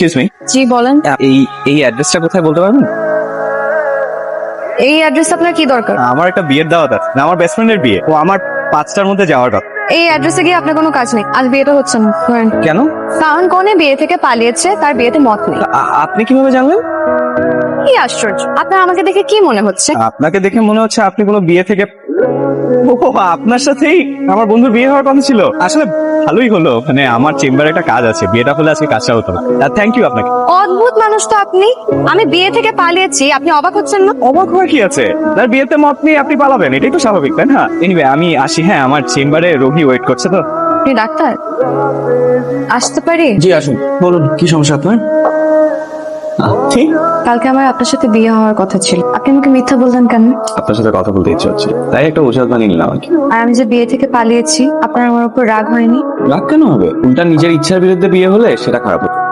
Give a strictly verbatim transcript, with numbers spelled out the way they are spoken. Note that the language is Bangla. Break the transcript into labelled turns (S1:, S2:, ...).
S1: এক্সকিউজ মি,
S2: জি বলেন।
S1: এই এই অ্যাড্রেসটা কোথায় বলতে পারবেন?
S2: এই অ্যাড্রেস আপনার কি দরকার?
S1: আমার একটা বিয়ের দাওয়াত আছে, আমার বেস্ট ফ্রেন্ডের বিয়ে, ও আমার পাঁচটার মধ্যে যাওয়ার কথা।
S2: এই অ্যাড্রেসে গিয়ে আপনার কোনো কাজ নেই, আজ বিয়েটা হচ্ছে না। ধরেন।
S1: কেন?
S2: কারণ কনে বিয়ে থেকে পালিয়েছে, তার বিয়েতে মত নেই।
S1: আ- আপনি কিভাবে জানলেন?
S2: কি আশ্চর্য, আপনার আমাকে দেখে কি মনে হচ্ছে?
S1: আপনাকে দেখে মনে হচ্ছে আপনি কোনো বিয়ে থেকে, ও আপনার সাথেই আমার বন্ধুর বিয়ে হওয়ার কথা ছিল। আসলে ভালোই হলো, মানে আমার চেম্বারে একটা কাজ আছে, বিয়েটা হলে আজকে কাজটা হতো না। থ্যাংক ইউ আপনাকে।
S2: অদ্ভুত মানুষ তো আপনি। আমি বিয়ে থেকে পালিয়েছি, আপনি অবাক হচ্ছেন না?
S1: অবাক হওয়ার কি আছে? তার বিয়েতে মত নিয়ে আপনি পালাবেন, এটাই তো স্বাভাবিক, তাই না? এনিওয়ে আমি আসি, হ্যাঁ আমার চেম্বারে রোগী ওয়েট করছে তো।
S2: আপনি ডাক্তার? আসতে পারি?
S1: জি আসুন, বলুন কি সমস্যা আপনার? ঠিক,
S2: কালকে আমার আপনার সাথে বিয়ে হওয়ার কথা ছিল, আপনি আমাকে মিথ্যা বললেন কেন?
S1: আপনার সাথে কথা বলতে ইচ্ছে হচ্ছে, তাই একটা ওষুধ বানিয়ে নিলাম আর কি।
S2: আর আমি যে বিয়ে থেকে পালিয়েছি, আপনার আমার উপর রাগ হয়নি?
S1: রাগ কেন হবে? উল্টা নিজের ইচ্ছার বিরুদ্ধে বিয়ে হলে সেটা খারাপ হতো।